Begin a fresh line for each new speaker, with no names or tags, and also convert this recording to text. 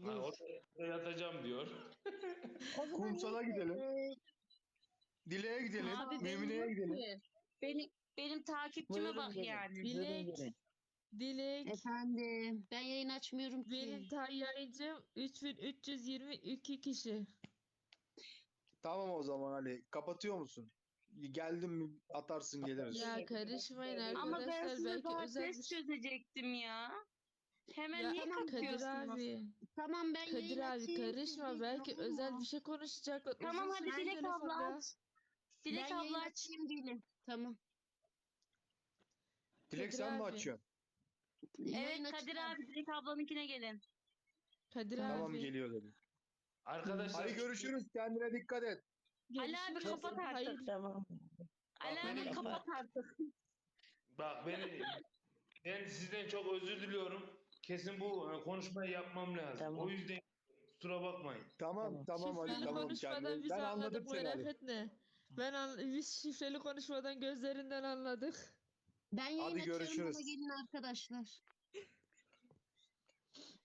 Ha,
Dur.
orada yatacağım diyor.
O zaman
Kumsal'a gidelim. Dile'ye gidelim.
Abi benim
Mümine'ye
yok
gidelim.
ki. Benim takipçime
Buyurun
bak
gelin.
yani.
Buyurun
Dilek,
gelin.
Dilek,
Efendim ben yayın açmıyorum
benim
ki.
yayıncım 3322 kişi.
Tamam o zaman Ali. Kapatıyor musun? Geldim mi atarsın geliriz.
Ya karışmayın
Ama ben
arkadaşlar,
size
belki
daha
özel bir
test
şey.
çözecektim ya. Hemen
Ya
niye
Kadir
kapatıyorsunuz?
abi,
Tamam ben
Kadir
yayın
abi
açayım.
karışma,
siz
belki
bekleyin,
özel
tamam.
bir şey konuşacaklar.
Tamam
Uzun
hadi
sürsün
Dilek abla
telefonda.
aç. Dilek
Ben yayın
abla aç.
açayım değilim. Tamam.
Dilek
Kadir
sen mi
abi.
açıyorsun?
Yayın
Evet Kadir
açacağım.
abi Dilek ablanınkine gelin.
Kadir
Tamam
abi.
geliyor dedim.
Arkadaşlar
Ali görüşürüz. Kendine dikkat et.
Ali abi
Görüşürüz.
kapat artık.
Hayır.
Tamam.
Ali
Bak,
abi
benim-
kapat artık.
bak ben sizden çok özür diliyorum. Kesin bu konuşmayı yapmam lazım.
Tamam.
O yüzden kusura bakmayın.
Tamam Ali
Şifreli
tamam.
konuşmadan biz
Ben
anladık,
anladım seni
merak
Ali.
etme. Biz şifreli konuşmadan gözlerinden anladık.
Ben yayın
Hadi
açıyorum.
görüşürüz.
Bana gelin arkadaşlar.